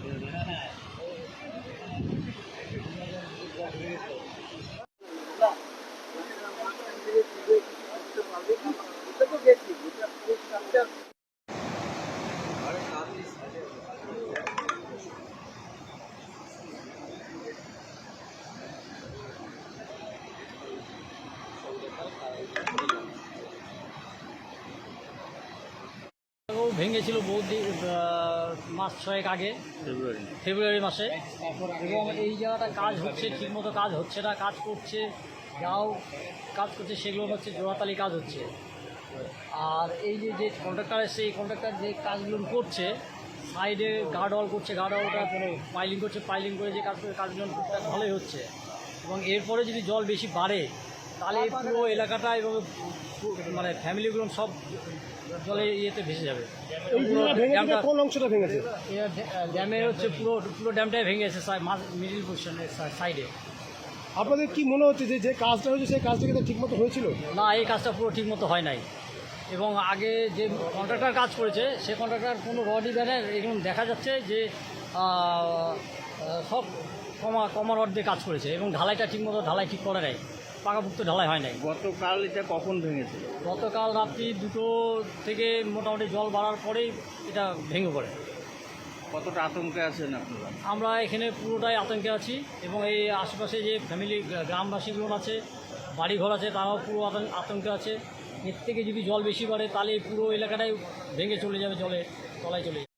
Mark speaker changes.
Speaker 1: ভেঙেছিল মাস 6 আগে, ফেব্রুয়ারি মাসে। এবং এই জায়গাটা কাজ হচ্ছে, ঠিকমতো কাজ হচ্ছে না, কাজ করছে যাও কাজ করছে সেগুলো হচ্ছে জোড়াতালি কাজ হচ্ছে। আর এই যে কন্ট্রাক্টর এসছে, এই কন্ট্রাক্টর যে কাজগুলো করছে, সাইডে গার্ডওয়াল করছে, গার্ডওয়ালটা পাইলিং করছে, পাইলিং করে যে কাজগুলো টুকটাক ভালোই হচ্ছে। এবং এরপরে যদি জল বেশি বাড়ে তাহলে পুরো এলাকাটা এবং মানে ফ্যামিলিগুলো সব জলে ইয়েতে ভেসে যাবে।
Speaker 2: কোন অংশটা ভেঙেছে?
Speaker 1: ড্যামের হচ্ছে পুরো ড্যামটাই ভেঙে গেছে মিডিল পজিশনের সাইডে।
Speaker 2: আপনাদের কি মনে হচ্ছে যে কাজটা হয়েছে সেই কাজটা কিন্তু ঠিকমতো হয়েছিল?
Speaker 1: না, এই কাজটা পুরো ঠিকমতো হয় নাই। এবং আগে যে কন্ট্রাক্টর কাজ করেছে সে কন্ট্রাক্টর কোনো রডই ব্যানার এগুলো দেখা যাচ্ছে যে সব কমা রড দিয়ে কাজ করেছে এবং ঢালাইটা ঠিকমতো ঢালাই ঠিক করে নেয়, পাকাপুক্ত ঢালাই হয় নাই।
Speaker 3: গতকাল এটা কখন ভেঙেছে?
Speaker 1: গতকাল রাত্রি 2টো থেকে মোটামুটি জল বাড়ার পরেই এটা ভেঙে পড়ে।
Speaker 3: কতটা আতঙ্কে আছেন আপনারা?
Speaker 1: আমরা এখানে পুরোটাই আতঙ্কে আছি এবং এই আশেপাশে যে ফ্যামিলি গ্রামবাসীগুলো আছে, বাড়িঘর আছে, তারাও পুরো আতঙ্কে আছে। এর থেকে যদি জল বেশি বাড়ে তাহলে পুরো এলাকাটাই ভেঙে চলে যাবে, জলে তলায় চলে যাবে।